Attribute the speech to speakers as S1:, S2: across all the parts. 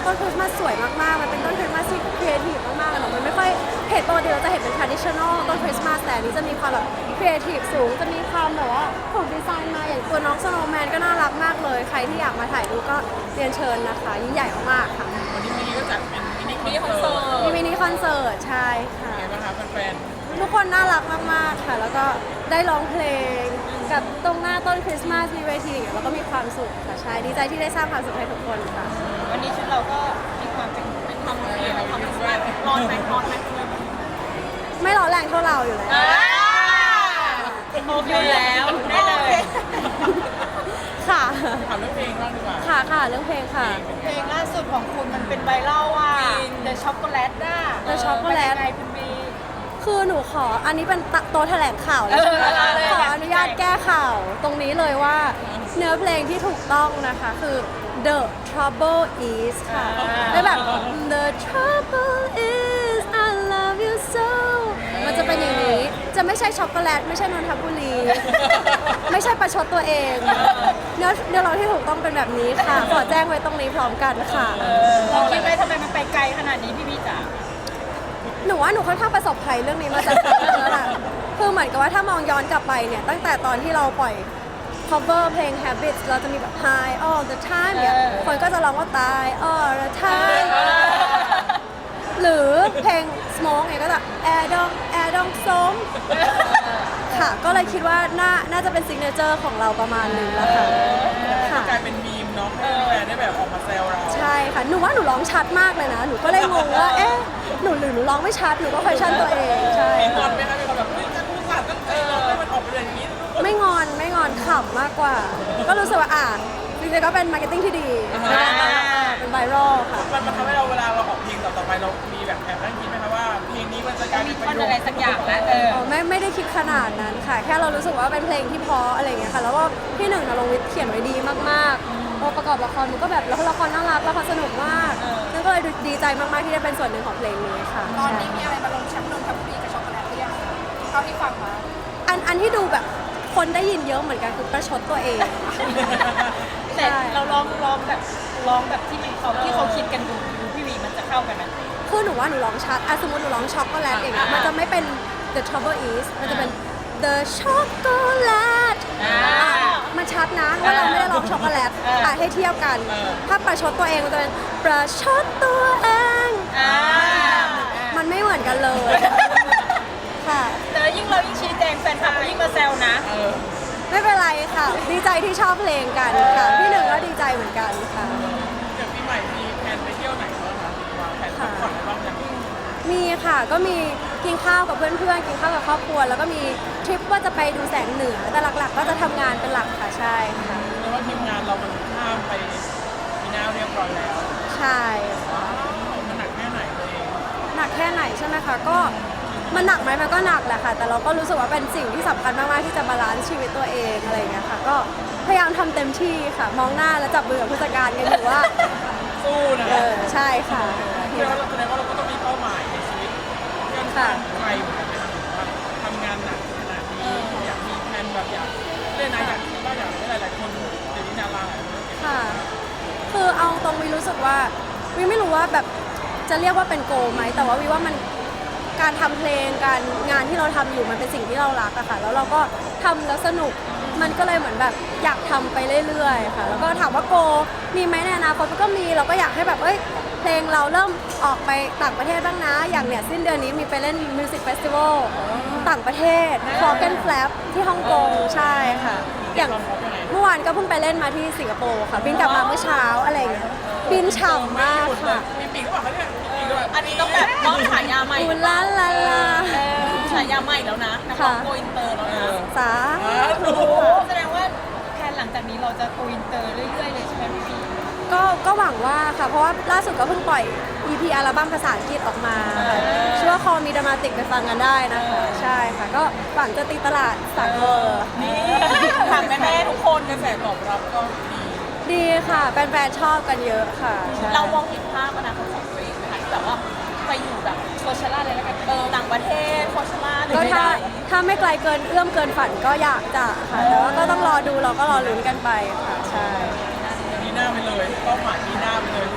S1: ต้นคริสต์มาสสวยมากๆมันเป็นต้นคริสต์มาสที่ครีเอทีฟมากๆเนาะมันไม่ค่อยเห็นปกติเราจะเห็นเป็น traditional ต้นคริสต์มาสแต่อันนี้จะมีความแบบครีเอทีฟสูงจะมีความแบบว่าถูกดีไซน์มาอย่างตัวน้องสโนว์แมนก็น่ารักมากเลยใครที่อยากมาถ่ายรูปก็เรียนเชิญนะคะยิ่งใหญ่มากๆค่ะ
S2: วันนี้มินิก็จัดเป็นมินิคอนเสิร์ต
S1: มีมินิคอนเสิร์ตใช่ค่ะ
S2: ไงบ้างคะแฟน
S1: ทุกคนน่ารักมากๆค่ะ แล้วก็ได้ร้องเพลงกับตรงหน้าต้นคริสต์มาสมีเวทีแล้วก็มีความสุขค่ะใช่ดีใจที่ได้สร้างความสุขให้ทุกคนค่ะ
S3: วันนี้ชุดเราก็มีความเป็นความเรียนความเป็นว่าร้อนไหมร้อนไหม
S1: ไม่ร้อนแรงเท่าเราอยู่แล้ว
S3: โอเคแล้วได้เลย
S1: ค่ะ
S2: ๆถามเรื่องเพลงบ้างดีกว่า
S1: ค่ะเรื่องเพลงค่ะ
S3: เพลงล่าสุดของคุณมันเป็นไวรัลอ่ะ The Chocolate น่ะ
S1: The Chocolate
S3: เป็นยังไงคุณบี
S1: คือหนูขออันนี้เป็นโตะแถลงข่าวเลยใช่ไหมขออนุญาตแก้ข่าวตรงนี้เลยว่าเนื้อเพลงที่ถูกต้องนะคะคือ The Trouble Is ค่ะได้แบบ The Trouble Is I love you so มันจะเป็นอย่างนี้จะไม่ใช่ช็อกโกแลตไม่ใช่นนทบุรี ไม่ใช่ประชดตัวเองเนื้อร้องที่ถูกต้องเป็นแบบนี้ค่ะ ขอแจ้งไว้ตรงนี้พร้อมกันค่ะ
S3: เราคิดไหมทำไมมันไปไกลขนาดนี้พี่บีจ๋า
S1: หนูว่าหนูค่อนข้างประสบภัยเรื่องนี้มาจากแล้วล่ะคือเหมือนกับว่าถ้ามองย้อนกลับไปเนี่ยตั้งแต่ตอนที่เราปล่อย cover เพลง Habits เราจะมีแบบ High all the time เนี่ยคนก็จะร้องว่าตาย all the time หรือเพลง Smoke เนี่ยก็จะ air dong som ค่ะ ก็เลยคิดว่าน่าจะเป็น signature ของเราประมาณหนึงแล้วค่ะค่ะ
S2: กลายเป็นมีมเนาะให้แฟนได้แบบออกมาแซวเรา
S1: ใช่ค่ะ หนูว่าหนูร้องชัดมากเลยนะ หนูก็เลยงงว่า เอ๊ะ หนูร้องไม่ชัด หนูก็ question ตัวเอง ใช่
S2: มีงอนไหมคะมีคนแบบเฮ้ยจะพูดขาดตั้งใจเราให้มันออกมาอย่างนี้
S1: ไม่งอนขำมากกว่า ก็รู้สึกว่าจริงๆก็เป็นมาร์เก็ตติ้งที่ดีเป็นไวรัลค่ะ
S2: มันทำให้เราเวลาเราออกเพลงต่อไปเรามีแบบแอบนั่งคิดไหมคะว่าเพลงนี้มันจะกลาย
S3: มี
S2: เป็น
S3: ท่อนอะไรสักอย่างแล้ว
S1: ไม่ได้คิดขนาดนั้นค่ะ แค่เรารู้สึกว่าเป็นเพลงที่เพราะอะไรอย่างเงี้ยค่ะ แล้วก็พี่หนึ่งนรงค์วิทย์เขียนไว้ดีมากๆพอประกอบละครมันก็แบบแล้วละครน่ารักละครสนุกมากนั่นก็เลยดีใจมากๆที่ได้เป็นส่วนหนึ่งของเพลงนี้ค่ะ
S4: ตอนนี้มีอะไรมาลงแชมป์นนทบุรีกับช็อกโกแลตหรือยังเท่าที่ฟังมา
S1: อันที่ดูแบบคนได้ยินเยอะเหมือนกันคือประชดตัวเอง
S3: แต่เราร้องแบบที่เขาคิดกันดูพี่วีมันจะเข้ากันไหม
S1: คือหนูว่าหนูร้องชัดสมมติหนูร้องช็อกโกแลตอย่างเงี้ยมันจะไม่เป็น the trouble is มันจะเป็น the chocolate มันชัดนะว่าเราไม่ได้ร้องช็อกโกแลตให้เทียบกัน ถ้าประชดตัวเองมันจะเป็นประชดตัวเองมันไม่เหมือนกันเลย ค่ะ
S3: แต่ยิ่งเรายิ่งชี้แจงแฟนคลับก็ยิ่งมาแซวนะ
S1: ไม่เป็นไรค่ะ ดีใจที่ชอบเพลงกันค่ะพี่หนึ่งก็ดีใจเหมือนกันค่ะ
S2: เดี๋ยวปีใหม่มีแผนไปเที่ยวไหนบ้างคะวางแผนพักผ่อนบ้างยัง
S1: มีค่ะก็มีกินข้าวกับเพื่อนๆกินข้าวกับครอบครัว แล้วก็มีทริปว่าจะไปดูแสงเหนือแต่หลักๆ ก็จะทำงานเป็นหลักค่ะใช่ค่ะ
S2: เรียกว่าทีมงานเรามันข้ามไปปีหน้าเรียบร้อยแล้ว
S1: ใช่
S2: ว้าวมันหนักแค่ไหนตัวเอง
S1: หนักแค่ไหนใช่ไหมคะก็มันหนักไหมมันก็หนักแหละค่ะ แต่เราก็รู้สึกว่าเป็นสิ่งที่สำคัญมากๆที่จะบาลานซ์ชีวิตตัวเองอะไรอย่างเงี้ยค่ะก็พยายามทำเต็มที่ค่ะ มองหน้าแล้วจับมือกับผู้จัดการกันอยู่ว่า
S2: สู้นะ
S1: ใช่ค่ะ
S2: แสดงว่าเราก็ต้องมีเป้าหมายในชีวิตเรื่องการไกลเหมือนกันนะครับว่าทำงานหนักขนาดนี้อยากมีแผนแบบอยากเล่นนะอยากคิดว่าอยากให้หลายๆคนเดี๋ยวนี้ดาราหลายคน
S1: ค่ะ คือเอาตรงวิรู้สึกว่าวิไม่รู้ว่าแบบจะเรียกว่าเป็นโกลไหมแต่ว่าวิว่ามันการทำเพลงการงานที่เราทำอยู่มันเป็นสิ่งที่เรารักอะค่ะแล้วเราก็ทำแล้วสนุกมันก็เลยเหมือนแบบอยากทำไปเรื่อยๆค่ะแล้วก็ถามว่าโกลมีไหมในอนาคตมันก็มีเราก็อยากให้แบบเพลงเราเริ่มออกไปต่างประเทศบ้างนะอย่างเนี่ยสิ้นเดือนนี้มีไปเล่นมิวสิกเฟสติวัลต่างประเทศฟอร์เกนแฟลปที่ฮ่องกงใช่ค่ะอย่างเมื่อวานก็เพิ่งไปเล่นมาที่สิงคโปร์ค่ะบินกลับมาเมื่อเช้าอะไรอย่างเงี้ยบินฉ่ำมากค่ะ
S2: มีปีกหรือเปล่าคะเนี่ยมีปีกหรือเปล่า
S3: อันนี้ต้องแบบต้องฉายาใหม่
S1: อุลาลาลา
S3: ฉายาใหม่แล้วนะนักร้องโกอินเตอร์แล้วนะ
S1: สา
S2: ถูก
S3: แสดงว่าแผนหลังจากนี้เราจะโกอินเตอร์เรื่อยๆเลยใช่ไหมพี่วี
S1: ก็หวังว่าค่ะ เพราะว่าล่าสุดก็เพิ่งปล่อย EP อัลบั้มภาษาอังกฤษออกมาค่ะชื่อว่า Call Me Dramatic ไปฟังกันได้นะคะ ใช่ค่ะ ก็หวังจะตีตลาดสากล
S3: นี่ถามแม่ๆทุกคน
S2: กระแสตอบรับก็ดี
S1: ดีค่ะแฟนๆชอบกันเยอะค่ะใช่
S3: เรามองเห็นภาพอนาคตของตัวเองไหมคะที่แบบว่าไปอยู่แบบโคชล่าเลยแล้วกันต่างประเทศโคชล่าหรือ
S1: ก็
S3: ไม่ได้
S1: ถ้าไม่ไกลเกินเอื้อมเกินฝันก็อยากจะค่ะ แต่ว่าก็ต้องรอดูเราก็รอลุ้นกันไปค่ะ ใช่
S2: มีหน้าไปเลยเป้าหมายมีหน้าไปเลยทุกค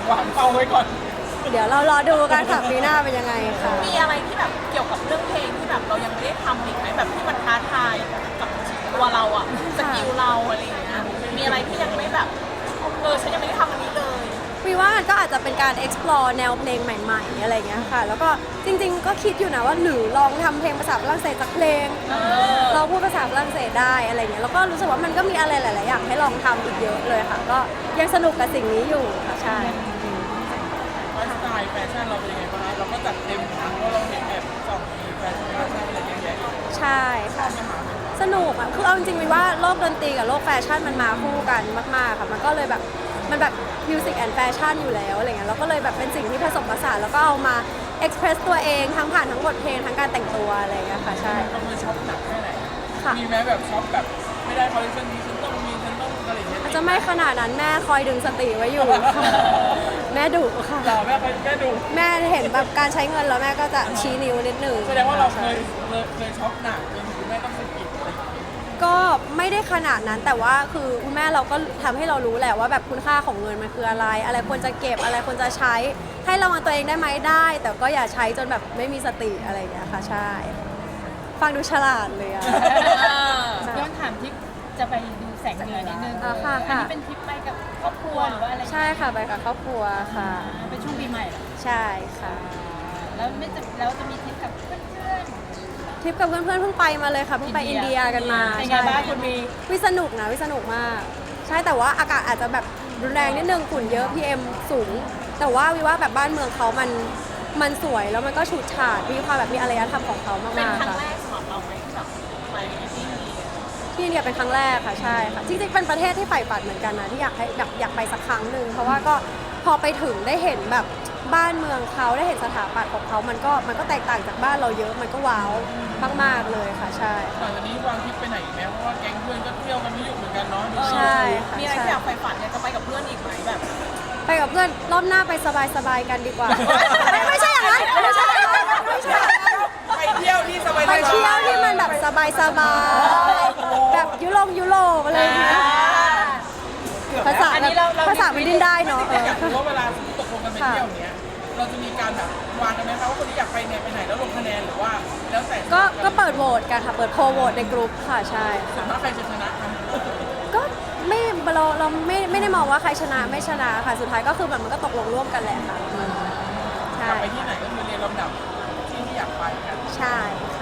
S2: วางเป้าไว้ก่อน
S1: เดี๋ยวเรารอดูกันค่ะปีหน้าเป็นยังไงค่ะ
S3: มีอะไรที่แบบเกี่ยวกับเรื่องเพลงที่แบบเรายังไม่ได้ทำอีกไหมแบบที่มันท้าทายกับตัวเราอะสกิลเราอะไรอย่างเงี้ยมีอะไรที่ยังไม่แบบฉันยังไม่ได้ทำอันนี้เลย
S1: วีว่ามันก็อาจจะเป็นการ explore แนวเพลงใหม่ๆอะไรเงี้ยค่ะ แล้วก็จริงๆก็คิดอยู่นะว่าหรือลองทำเพลงภาษาฝรั่งเศสสักเพลง เราพูดภาษาฝรั่งเศสได้อะไรเงี้ย แล้วก็รู้สึกว่ามันก็มีอะไรหลายๆอย่างให้ลองทำอีกเยอะเลยค่ะ ก็ยังสนุกกับสิ่งนี้อยู่ค่ะใช่
S2: ไลฟ์สไตล์แฟชั่นเราเป็นยังไงบ้างคะเราก็จัดเต็มนะเพราะเราเห็นแบบสองมีแฟชั่นอะไรเยอะแยะ
S1: ใช่ค่ะ สนุกอ่ะ คือเอาจริงๆวีว่าโลกดนตรีกับโลกแฟชั่นมันมาคู่กันมากๆค่ะ มันก็เลยแบบมันแบบมิวสิกแอนด์แฟชั่นอยู่แล้วอะไรเงี้ย แล้วก็เลยแบบเป็นสิ่งที่ผสมผสานแล้วก็เอามาเอ็กเพรสตัวเองทั้งผ่านทั้งบทเพลงทั้งการแต่งตัวอะไรเงี้ยค่ะ ใช่
S2: ก็คือช็อปหนักแค่ไหน
S1: ค่ะ
S2: มีแม้แบบช็อปแบบไม่ได้คอลเลคชันนี้ฉันต้องมีฉันต้องอะไรอย่างเงี้ย
S1: อาจจะไม่ขนาดนั้นแม่คอยดึงสติไว้อยู่ค่ะ แม่ดุค่ะ
S2: เราแม่ดู
S1: แม่เห็นแบบการใช้เงินแล้วแม่ก็จะชี้นิ้วนิดหนึ่ง
S2: แสดงว่าเราเคยช็อปหนักจนถึงแม่ต้องสะกิดอะไรอย่างเงี้ย
S1: ก็ไม่ได้ขนาดนั้นแต่ว่าคือคุณแม่เราก็ทำให้เรารู้แหละว่าแบบคุณค่าของเงินมันคืออะไร อะไรควรจะเก็บอะไรควรจะใช้ ให้ระวังตัวเองได้ไหมได้ แต่ก็อย่าใช้จนแบบไม่มีสติอะไรอย่างเงี้ยค่ะใช่ ฟังดูฉลาดเลยอะ
S3: ย้อนถามที่จะไปดูแสงเหนือนิดนึง
S1: อ่าค่ะ
S3: อันนี้เป็นทริปไปกับครอบครัวหรือว่าอะไร
S1: ใช่ค่ะไปกับครอบครัวค่ะ
S3: เป็นช่วงปีใหม่เหรอ
S1: ใช่ค่ะ
S3: แล้วแล้วจะมีทริปกับเพื่อน
S1: ทริปกับเพื่อนๆเพิ่งไปมาเลยค่ะเพิ่งไปอินเดียกันมา
S3: เป็นไง
S1: ใช่
S3: บ้างคุณมี
S1: วิสนุกนะวิสนุกมาก ใช่แต่ว่าอากาศอาจจะแบบรุนแรงนิดนึงฝุ่นเยอะ PM สูง แต่ว่าวิว่าแบบบ้านเมืองเขามันสวยแล้วมันก็ฉูดฉาดมีความแบบมีอารยธรรมของเขามาก
S3: เป็น
S1: ๆ
S3: ครั้ง
S1: ค่ะ
S3: แรกสำหรับเราไหมแบบไปที่นี่
S1: ที่อินเดียเป็นครั้งแรกค่ะใช่ค่ะจริงๆเป็นประเทศที่ใฝ่ฝันเหมือนกันนะที่อยากให้แบบอยากไปสักครั้งหนึ่งเพราะว่าก็พอไปถึงได้เห็นแบบบ้านเมืองเขาได้เห็นสถาปัตย์ของเขามันก็แตกต่างจากบ้านเราเยอะมันก็ว้าวมากๆเลยค่ะใช่
S2: หลังจากนี้วางทริปไปไหนอีกไหมเพราะว่าแก๊งเพื่อนก็เที่ยวกันไม่หยุดเหมือนกันเนาะดู
S1: ใช่ค่ะ
S3: มีอะไร
S1: ใช่
S3: ที่อยากไปฝันอยากจะไปกับเพื่อนอีกไหมแบบ
S1: ไปกับเพื่อนรอบหน้าไปสบายๆกันดีกว่า ไม่ใช่อย่างนั้นไม่ใช่อย่างนั้นไม่ใช่อย่างนั้น
S2: ไปเที่ยวที่สบายๆ
S1: ไปเที่ยวที่มันแบบสบายๆแบบยุโรปอะไรอย่างเงี้ยภาษา
S3: อันนี้เรา
S1: ภาษามันดิ้นได้เนาะ
S2: อยากรู้ว่าเวลาตกลงกันไปเที่ยวเนี้ยเราจะมีการแบบวางกันไหมคะว่าคนที่อยากไปเนี่ยไปไหนแล้วลงคะแนนหรือว่าแล้วแต่
S1: ก็เปิดโหวตกันค่ะเปิดโพลโหวตในกลุ่มค่ะใช่
S2: ส่วนมากใครจะชนะคะ
S1: ก็ไม่เราไม่ได้มองว่าใครชนะไม่ชนะค่ะสุดท้ายก็คือแบบมันก็ตกลงร่วมกันแหละค่ะ
S2: ก
S1: ใช่
S2: ลับไปที่ไหนก็คือเรียนลำดับที่อยากไปกัน
S1: ใช่ค่ะ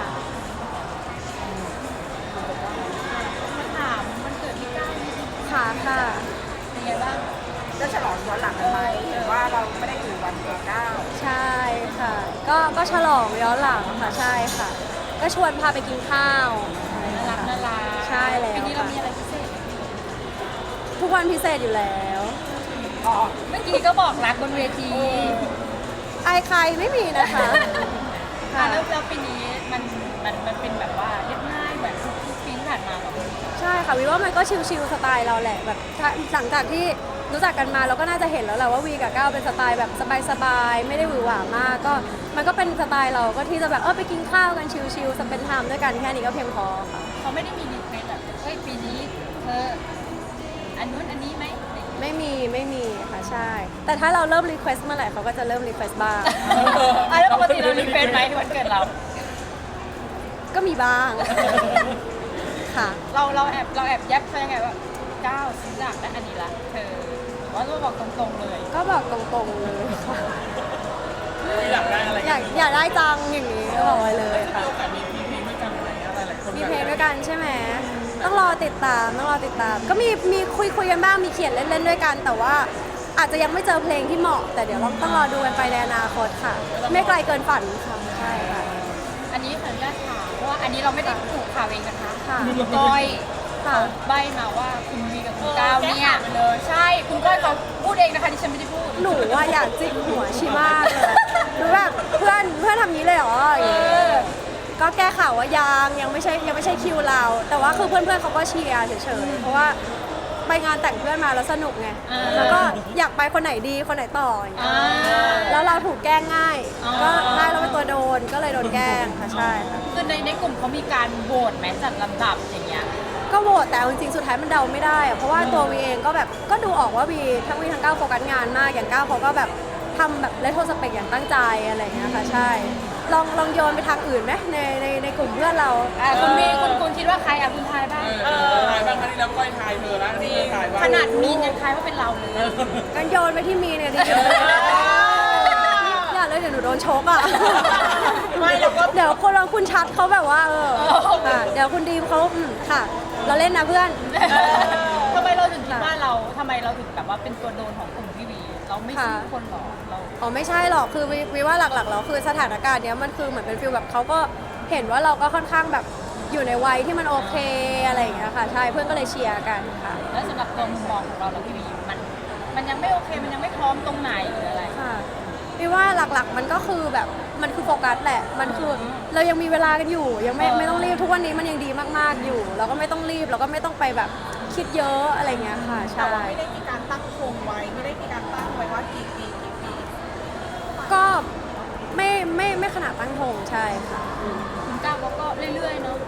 S3: มาถามมันเกิดที่ใกล้
S1: ค่ะค่ะ
S3: เป็นไงบ้าง
S4: จะฉลองย้อนหลังกันไหมหรือว่าเราไม่ได้อยู่วันเกิด9
S1: ใช่ค่ะ ก็ฉลองย้อนหลังค่ะใช่ค่ะ ก็ชวนพาไปกินข้าว
S3: น่ารักน่ารัก
S1: ใช่แล้ว
S3: ปีนี้เรามีอะไรพิเศษ
S1: ทุกวันพิเศษอยู่แล้ว
S4: อ๋อ
S3: เมื่อกี้ก็บอกรักบนเวที
S1: อายใครไม่มีนะคะ ค่ะ
S3: แล้วปีนี้มันเป็นแบบว่าเรียบง่ายเหมือนทุกปีที่ผ่านมาแบบ
S1: ใช่ค่ะวีว่ามันก็ชิลๆสไตล์เราแหละแบบถ้าหลังจากที่รู้จักกันมาเราก็น่าจะเห็นแล้วแหละว่าวีกับก้าวเป็นสไตล์แบบสบายๆไม่ได้หวือหวามากก็มันก็เป็นสไตล์เราก็ที่จะแบบไปกินข้าวกันชิลๆสเปนไทม์ด้วยกันแค่นี้ก็เพียงพอค่ะ
S3: เขาไม่ได้มีรีเควสแบบเฮ้ยปีนี้เธออันนู้นอันนี้ไหม
S1: ไม่มีค่ะใช่ แต่ถ้าเราเริ่มรีเควสเมื่อไหร่เขาก็จะเริ่มรีเควสบ้าง
S3: แล้วปกติเรารีเควสไหมวันเกิดเรา
S1: ก็มีบ้าง ค่ะ
S3: เราแอบยับเขายังไงว่าก้าวซื้ออยากได้อันนี้ละเธอหรือว่าเราบอกตรงๆเลย
S1: ก็บอกตรงๆเลยค่ะ
S2: อยากได้อะไร
S1: อยากได้จังอย่างนี้ก็บอกไว้เลย
S2: มี
S1: ค่ะ
S2: โอกาสมีเพลงด้วยกันไหมอะไรหลายคน
S1: มีเพลงด้วยกันใช่ไหมต้องรอติดตามก็มีคุยกันบ้างมีเขียนเล่นๆด้วยกัน แต่ว่าอาจจะยังไม่เจอเพลงที่เหมาะ แต่เดี๋ยวเราต้องรอดูกันไปในอนาคตค่ะ ไม่ไกลเกินฝันค่ะใช่ค่ะ
S3: อันนี้ขออนุญาตถามเพราะว่าอันนี้เราไม่ได้ถูกข่าวเองนะคะ
S1: ค่ะ
S3: คุณก้อย
S1: ค่ะ
S3: เขาใบมาว่าคุณวีกับคุณก้าวเนี่ยใช่คุณก้อยเขาพูดเองนะคะที่ฉันไม่ได้พูด
S1: หนูว่าอยากจิกหัวชีมากเลยหนูแบบเพื่อนทำนี้เลยเหรออย่างงี้ก็แก้ข่าวว่ายังไม่ใช่คิวเรา แต่ว่าคือเพื่อนเขาก็เชียร์เฉยๆเพราะว่าไปงานแต่งเพื่อนมาแล้วสนุกไงแล้วก็อยากไปคนไหนดีคนไหนต่ออย่างเงี้ยแล้วเราถูกแกล้งง่าย ก็ง่ายเราเป็นตัวโดนก็เลยโดนแกล้งค่ะใช่ค่ะ
S3: คือในกลุ่มเขามีการโหวตไหมจัดลำดับอย่างเงี้ย
S1: ก็โหวตแต่เอาจริงๆสุดท้ายมันเดาไม่ได้อะเพราะว่าตัววีเองก็แบบก็ดูออกว่าวีทั้งวีทั้งก้าวโฟกัสงานมากอย่างก้าวเขาก็แบบทำแบบเลโทสเปกอย่างตั้งใจอะไรอย่างเงี้ยค่ะใช่ลองโยนไปทางอื่นไหมในกลุ่มเพื่อนเรา
S5: คุณมีคุณคิดว่าใครอ่ะคุณทายบ้าง
S2: ถ่ายบ้างครั้งที่แล้วก้อยถ่ายเธอแล้วนี่ถ่ายบ้าง
S5: ขนาดมีนยังทายว่าเป็นเราเลย
S1: กันโยนไปที่มีเนี่ยดีอย่าเลยเดี๋ยวหนูโดนชกอ่ะ
S3: ไม่เราก็
S1: เดี๋ยวคุณชัดเขาแบบว่าค่ะเดี๋ยวคุณดีมเขาค่ะ เราเล่นนะเพื่อน
S5: ทำไมเราถึงคิดว่าเราทำไมเราถึงแบบว่าเป็นตัวโดนของกลุ่มพี่วี เราไม่ใช่คนหรอเรา
S1: อ๋อไม่ใช่หรอกคือวิว่าหลักๆแล้วคือสถานการณ์เนี้ยมันคือเหมือนเป็นฟีลแบบเขาก็เห็นว่าเราก็ค่อนข้างแบบอยู่ในวัยที่มันโอเคอะไรอย่างเงี้ยค่ะใช่เพื่อนก็เลยเชียร์กันค่ะ
S5: แล้วสำหรับตัวมุมมองของเราพี่วีมันยังไม่โอเคมันยังไม่พร้อมตรงไหนหรืออะไร
S1: ค่ะวิว่าหลักๆมันก็คือแบบมันคือโฟกัสแหละมันคือเรายังมีเวลากันอยู่ยังไม่ต้องรีบทุกวันนี้มันยังดีมากๆอยู่ เราก็ไม่ต้องรีบเราก็ไม่ต้องไปแบบคิดเยอะอะไรเงี้ยค่ะ
S3: แต่
S1: ใช่
S3: ว่าไม่ได้มีการตั้งธงไว้ไม่ได้มีการตั้งไว้ว่ากี่ปี
S1: ก็ไม่ขนาดตั้งธงใช่ค่ะ
S5: คุณก้าวเขาก็เรื่อยๆเนาะ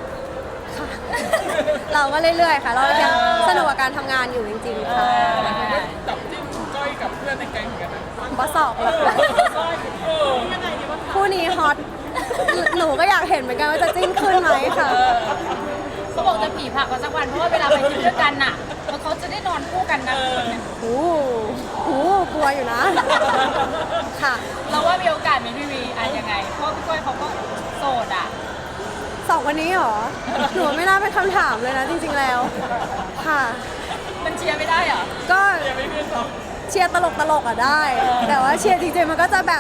S1: เราก็เรื่อยๆค่ะ เรายังสนุกกับการทำงานอยู่จริงๆค่ะ
S2: จับจิ้มก้อยกับเพื่อนในแก๊งเหมือนกันนะ
S1: บอสสอกเหรอคะ
S3: ยังไงดีวะ
S1: คู่นี้ฮอตหนูก็อยากเห็นเหมือนกันว่าจะจิ้นขึ้นไหมค่ะ
S5: เขาบอกจะผีผักกันสักวันเพราะว่าเวลาไปทริปด้วยกันน่ะแล้วเขาจะได้นอนคู่กันนะ
S1: โอ้โหกลัวอยู่นะ ค่ะ
S5: เราว่ามีโอกาสไหมพี่วีอะยังไงเพราะว่าพี่ก้อยเขาก็โสดอ่ะ
S1: สองวันนี้เหรอ หนูไม่น่าเป็นคำถามเลยนะจริงๆแล้ว ค่ะ
S5: มันเชียร์ไม่ได้เหรอ
S1: ก็
S2: ยังไม่เพื่อนสอง
S1: เชียร์ตลกๆอ่ะได้ แต่ว่าเชียร์จริงๆมันก็จะแบบ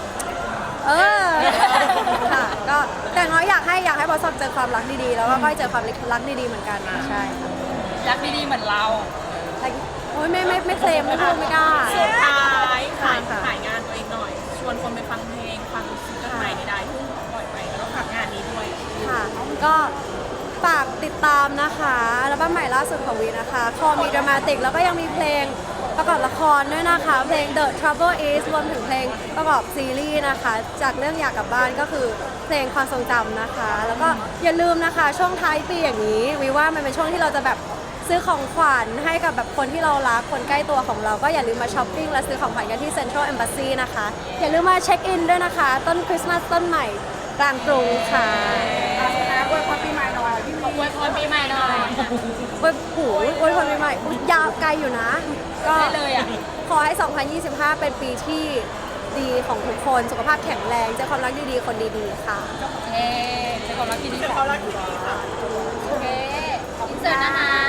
S1: ค่ะ ก็แต่น้อยอยากให้บอสซอกเจอความรักดีๆ แล้วก็ก้อยเจอความรักดีๆเหมือนกันใช่ค่ะ
S5: รักดีๆเหมือนเรา
S1: แต่โอ้ยไม่เคลมไม่พูดไม่กล้า
S3: สุดท้ายขาย
S1: ค่ะ
S3: ขายงานตัวเองหน่อย ชวนคนไปฟังเพลงฟังซิงเกิลใหม่ในได้ที่ปล่อยไปแล้วก็ฝากงานนี้ด้วย
S1: ค่ะ ก็ฝากติดตามนะคะอัลบั้มใหม่ล่าสุดของวีนะคะคอมีดรามาติกแล้วก็ยังมีเพลงประกอบละครด้วยนะคะ เพลง The Trouble Is รวมถึงเพลงประกอบซีรีส์นะคะ จากเรื่องอยากกลับบ้านก็คือเพลงความทรงจำนะคะ แล้วก็อย่าลืมนะคะช่วงท้ายปีอย่างนี้วีว่ามันเป็นช่วงที่เราจะแบบซื้อของขวัญให้กับแบบคนที่เรารักคนใกล้ตัวของเราก็อย่าลืมมาช้อปปิ้งและซื้อของขวัญกันที่ Central Embassy นะคะอย่าลืมมาเช็คอินด้วยนะคะ ต้นคริสต์มาสต้นใหม่กลางกรุงค่ะ
S4: แล้วอวยพรปีใหม่หน่อยพี่
S5: อวยพรปีใหม่หน่อย
S1: โอ้ยโหโอ้ยพรปีใหม่อุ๊ยยาวไกลอยู่นะ ก็
S5: ได้เลยอ่ะ
S1: ขอให้ 2025 เป็นปีที่ดีของทุกคน สุขภาพแข็งแรง เจอความรักดีๆ คนดีๆ ค่ะ
S5: เอ๊ะเป็นความรักที่ดี
S3: เป็นความรักที่ดีค่ะ
S5: โอเคอินเสิร์ตนะคะ